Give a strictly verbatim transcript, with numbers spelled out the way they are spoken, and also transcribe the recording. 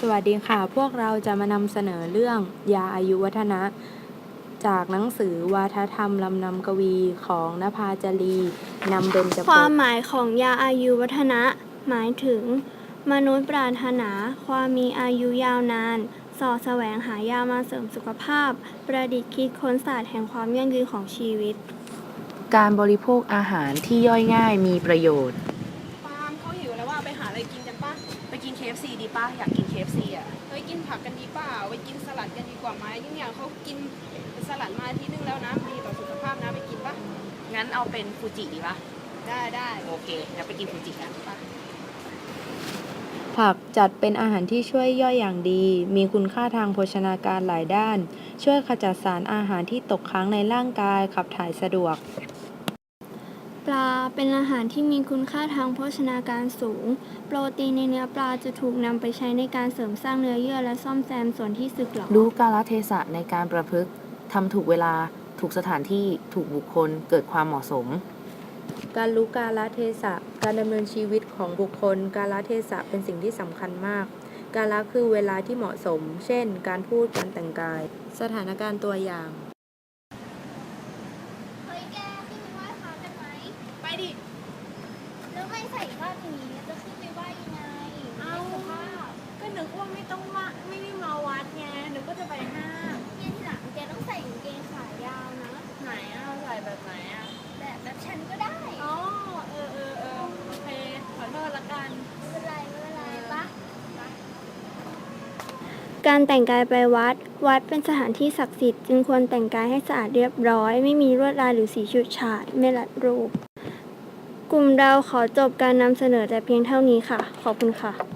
วัสดีค่ะ พวกเราจะมานำเสนอเรื่องยาอายุวัฒนะ จากหนังสือวาทธรรมลำนำกวีของนภาจารีนำเบญจคปวามกหมายของยาอายุวัฒนะ หมายถึง มนุษย์ปรารถนาความมีอายุยาวนานเสาะแสวงหายามาเสริมสุขภาพ ประดิษฐ์คิดค้นศาสตร์แห่งความยั่งยืนของชีวิตการบริโภคอาหารที่ย่อยง่ายมีประโยชน์ปาล์มเขาหิวแล้วว่าไปหาอะไรกินกันปะไปกิน เค เอฟ ซี ดีป่ะ อยากกิน เค เอฟ ซี อ่ะเฮ้ยกินผักกันดีเปล่าไปกินสลัดกันดีกว่าไหมยิ่งอย่างเขากินสลัดมาอาที่นึงแล้วนะดีต่อสุขภาพนะไปกินปะงั้นเอาเป็นฟูจิดีป่ะได้ได้โอเคงั้นไปกินฟูจิกันปะผักจัดเป็นอาหารที่ช่วยย่อยอย่างดี มีคุณค่าทางโภชนาการหลายด้าน ช่วยขจัดสารอาหารที่ตกค้างในร่างกายขับถ่ายสะดวกปลาเป็นอาหารที่มีคุณค่าทางโภชนาการสูง โปรตีนในเนื้อปลาจะถูกนำไปใช้ในการเสริมสร้างเนื้อเยื่อและซ่อมแซมส่วนที่สึกหรอรู้กาลเทศะในการประพฤติทำถูกเวลา ถูกสถานที่ ถูกบุคคล เกิดความเหมาะสมการรู้กาลเทศะ การดำเนินชีวิตของบุคคล กาลเทศะเป็นสิ่งที่สำคัญมาก กาลคือเวลาที่เหมาะสม เช่น การพูด การแต่งกาย สถานการณ์ตัวอย่างเฮ้ยแกขึ้นไปไหว้พระกันไหมไปดิแล้วไม่ใส่ผ้าอย่างนี้จะขึ้นไปไหว้ยังไงเอาในสภาพก็นึกว่าไม่ต้องมาไม่ได้มาวัดไงนึกว่าจะไปห้างเนี่ยทีหลังแกต้องใส่กางเกงขายาวนะไหนอ่ะใส่แบบไหนอ่ะแบบแบบฉันก็ได้อ๋อเออเออเออโอเคขอโทษละกันไม่เป็นไรไม่เป็นไรปะการแต่งกายไปวัด วัดเป็นสถานที่ศักดิ์สิทธิ์จึงควรแต่งกายให้สะอาดเรียบร้อย ไม่มีลวดลายหรือสีฉูดฉาด ไม่รัดรูป กลุ่มเราขอจบการนำเสนอแต่เพียงเท่านี้ค่ะ ขอบคุณค่ะ